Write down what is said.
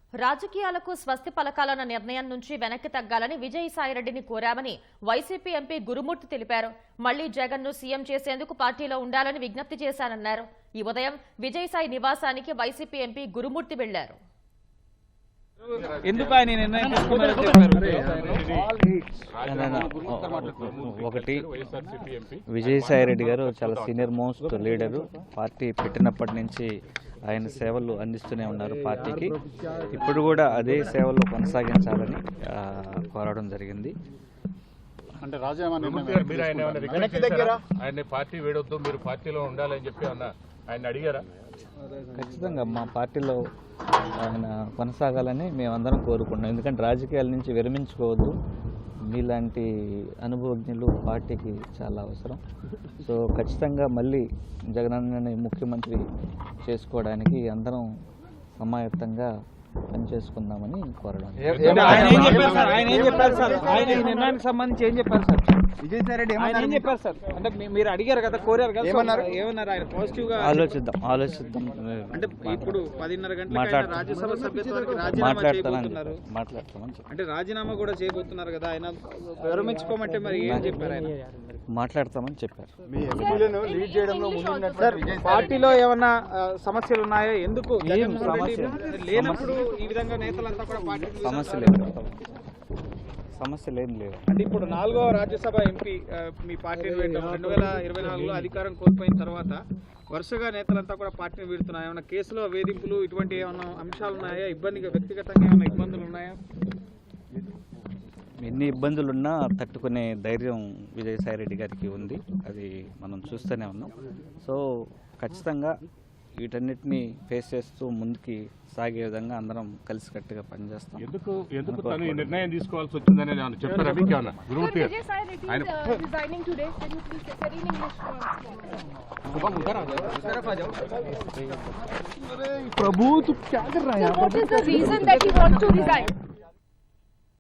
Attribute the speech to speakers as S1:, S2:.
S1: రాజకీయాలకు స్వస్తి పలకాలన్న నిర్ణయం నుంచి వెనక్కి తగ్గాలని విజయసాయిరెడ్డిని కోరామని వైసీపీ ఎంపీ గురుమూర్తి తెలిపారు. మళ్లీ జగన్ ను సీఎం చేసేందుకు పార్టీలో ఉండాలని విజ్ఞప్తి చేశానన్నారు. ఈ ఉదయం విజయసాయి నివాసానికి వైసీపీ ఎంపీ గురుమూర్తి వెళ్లారు.
S2: ఒకటి, విజయసాయిరెడ్డి గారు చాలా సీనియర్ మోస్ట్ లీడరు. పార్టీ పెట్టినప్పటి నుంచి ఆయన సేవలు అందిస్తూనే ఉన్నారు పార్టీకి. ఇప్పుడు కూడా అదే సేవలు కొనసాగించాలని కోరడం జరిగింది.
S3: అంటే ఆయన పార్టీ వేడొద్దు, మీరు పార్టీలో ఉండాలని చెప్పి ఆయన అడిగారా?
S2: ఖచ్చితంగా మా పార్టీలో ఆయన కొనసాగాలని మేమందరం కోరుకున్నాం. ఎందుకంటే రాజకీయాల నుంచి విరమించుకోవద్దు. మీలాంటి అనుభవజ్ఞులు పార్టీకి చాలా అవసరం. సో ఖచ్చితంగా మళ్ళీ జగనన్నని ముఖ్యమంత్రి చేసుకోవడానికి అందరం సమాయత్తంగా పనిచేసుకుందామని కోరడం.
S4: ఆయన ఏం చెప్పారు సార్? ఆయన ఈ నిర్ణయానికి సంబంధించి ఏం చెప్పారు సార్? విజయసాయిరెడ్డి ఏం చెప్పారు సార్? అంటే మీరు అడిగారు కదా, కోరారు కదా, ఏమన్నారు ఆయన? పాజిటివ్ గా ఆలోచిద్దాం. అంటే ఇప్పుడు 10:30 గంటలకు రాజ్యసభ సభ్యత్వానికి రాజీనామా చేయబోతున్నారు. అంటే రాజీనామా కూడా చేయబోతున్నారు కదా, ఆయన విరమించుకోమంటే మరి ఏం చెప్పారు? ఆయన
S2: మాట్లాడతామని చెప్పారు.
S4: పార్టీలో ఏమన్నా సమస్యలు ఉన్నాయా? ఎందుకు లేనప్పుడు ఈ విధంగా నేతలంతా కూడా
S2: సమస్యలు ఏం లేవు.
S4: అంటే ఇప్పుడు 4వ రాజ్యసభ ఎంపీ మీ పార్టీని వీడటం 2024లో అధికారం కోల్పోయిన తర్వాత వరుసగా నేతలంతా కూడా పార్టీని వీడుతున్నాయి. ఏమైనా కేసులో వేధింపులు ఇటువంటి ఏమైనా అంశాలు ఉన్నాయా? వ్యక్తిగతంగా ఏమైనా ఇబ్బందులు ఉన్నాయా?
S2: ఎన్ని ఇబ్బందులున్నా తట్టుకునే ధైర్యం విజయసాయిరెడ్డి గారికి ఉంది. అది మనం చూస్తూనే ఉన్నాం. సో ఖచ్చితంగా వీటన్నిటిని ఫేస్ చేస్తూ ముందుకి సాగే విధంగా అందరం కలిసికట్టుగా పనిచేస్తాం.
S3: ఎందుకు తను ఈ నిర్ణయం తీసుకోవాల్సి వచ్చిందని చెప్పారా మీకు ఏమన్నా? గురుమూర్తి
S4: ప్రభు,
S5: What is the reason that he wants to resign?